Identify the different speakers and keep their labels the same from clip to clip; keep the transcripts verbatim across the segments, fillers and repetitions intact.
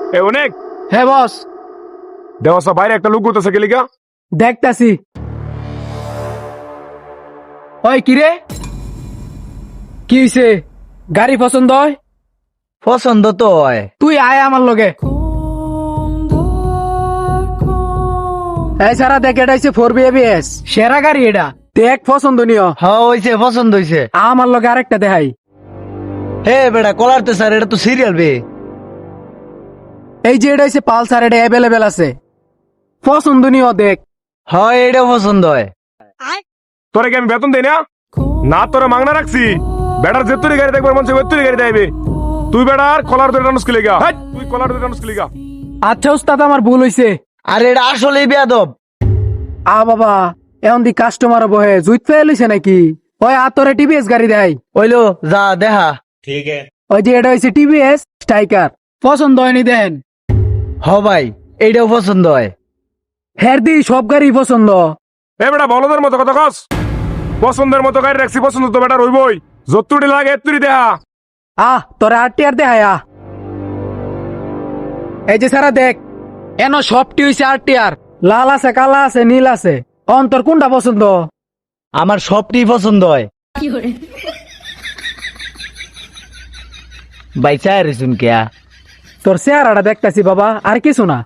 Speaker 1: এ অনেক
Speaker 2: হ্যাঁ বস,
Speaker 1: দেওয়াসা বাইরে একটা লোক করতেছে কি লিগা?
Speaker 2: দেখতাছি। ওই কিরে, কি হইছে? গাড়ি পছন্দ হয়?
Speaker 3: পছন্দ তো হয়।
Speaker 2: তুই আয় আমার লগে। এই সারা দেখ, এটা হইছে ফোর বি এবিএস সেরা গাড়ি। এটা দেখ পছন্দনীয়।
Speaker 3: হ্যাঁ হইছে, পছন্দ হইছে।
Speaker 2: আমার লগে আরেকটা দেখাই।
Speaker 3: হে বেটা কলার তো স্যার, এটা তো সিরিয়াল বে।
Speaker 2: এই যে এটা হইছে পালসার, এটা অ্যাভেলেবেল আছে। পছন্দনীয় দেখ।
Speaker 3: হয় এটা পছন্দ হয়।
Speaker 1: তোরে কি আমি বেতন দেই না? না তোরে মাংনা রাখছি। বেটার যেতুরি গাড়ি দেখবার মন চাই ওতুরি গাড়ি দেবে। তুই বেটার কলার ধরে টানুস কি লিগা? হাট, তুই কলার ধরে টানুস কি লিগা?
Speaker 2: আচ্ছা উস্তাদ, আমার ভুল হইছে।
Speaker 3: আর এটা আসলেই বেয়াদব।
Speaker 2: আ বাবা, এখন দি কাস্টমার বহে জুইত ফেল হইছে নাকি? ওই আতরে টিভিএস গাড়ি দেয়।
Speaker 3: ওইলো যা দেখা।
Speaker 2: ওই যে এটা হইছে টিভিএস স্ট্রাইকার। পছন্দ হয়নি দেন।
Speaker 3: হ ভাই, এইটাও পছন্দ হয়।
Speaker 2: হের দি সব গাড়ি পছন্দ।
Speaker 1: এ বেটা বলদের মতো কথা কস। পছন্দের মতো গাড়ি রাখছি, পছন্দ তো বেটার হইবই। যতুরি লাগে এতুরি দেহা।
Speaker 2: আহ তোরে আটটি আর দেখায় আহ। এই যে সারা দেখ, এন সবটি হইছে আটটি আর। লাল আছে, কালা আছে, নীল আছে। অন্তর কোনটা পছন্দ?
Speaker 3: আমার সবটি পছন্দ হয়। ভাই চায় রেছুন কেয়া।
Speaker 2: তোর চেহারাটা দেখতাছি বাবা, আর কিছু না।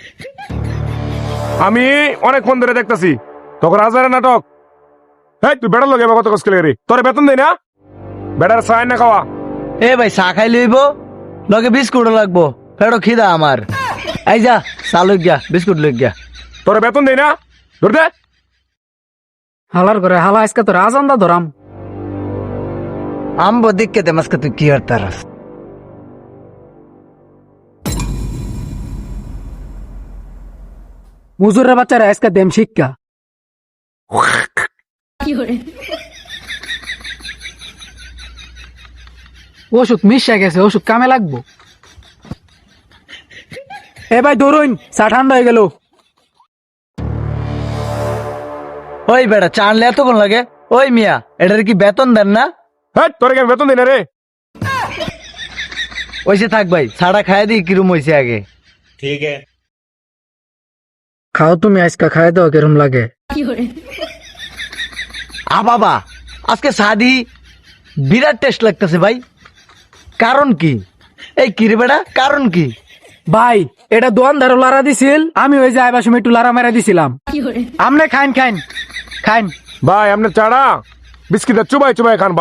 Speaker 1: আমি অনেক ফোন ধরে দেখতাছি তখন হাজারের নাটক। হ্যাঁ তুই বেটার লগে কত কষ্ট লাগে রে? তোরে বেতন দেই না? বেটার চায় না খাওয়া।
Speaker 3: এ ভাই চা খাই লইব, লগে বিস্কুট লাগবো। ফেরো খিদা আমার। এই যা চা লই গিয়া, বিস্কুট লই গিয়া।
Speaker 1: তোরে বেতন দেই না? ধর দে।
Speaker 2: হালার করে হালা আজকে তোর আজান্দা ধরাম।
Speaker 3: আম্বো দিককে দে মাসকে তুই কি আর তারাস।
Speaker 2: মুজুরের বাচ্চারা আজকে দেম শিক্ষা। ওষুধ মিশা গেছে, ওষুধ কামে লাগবো। এ ভাই ধরুন, চা ঠান্ডা হয়ে গেল।
Speaker 3: ওই বেটা চা আনলে এতক্ষণ লাগে? ওই মিয়া, এটার কি বেতন দেন না?
Speaker 1: হ্যাঁ তোরে কি আমি বেতন দেই না রে?
Speaker 3: ওইসে থাক ভাই, ছাড়া খাই দিই কিরম হয়েছে আগে।
Speaker 2: খাও তুমি, আজকে খাই দাও কিরম লাগে।
Speaker 3: আ বাবা, আজকে সাদি বিরাট টেস্ট লাগতেছে ভাই। কারণ কি? এই কিরে বেটা, কারণ কি?
Speaker 2: ভাই এটা দোয়ান ধারো লারা দিছিল, আমি ওই যে আইবার সময় একটু লারা মেরা দিছিলাম। আমনে খাইন খাইন খাইন।
Speaker 1: ভাই আপনার চাড়া বিস্কিট চুবাই চুবাই খান।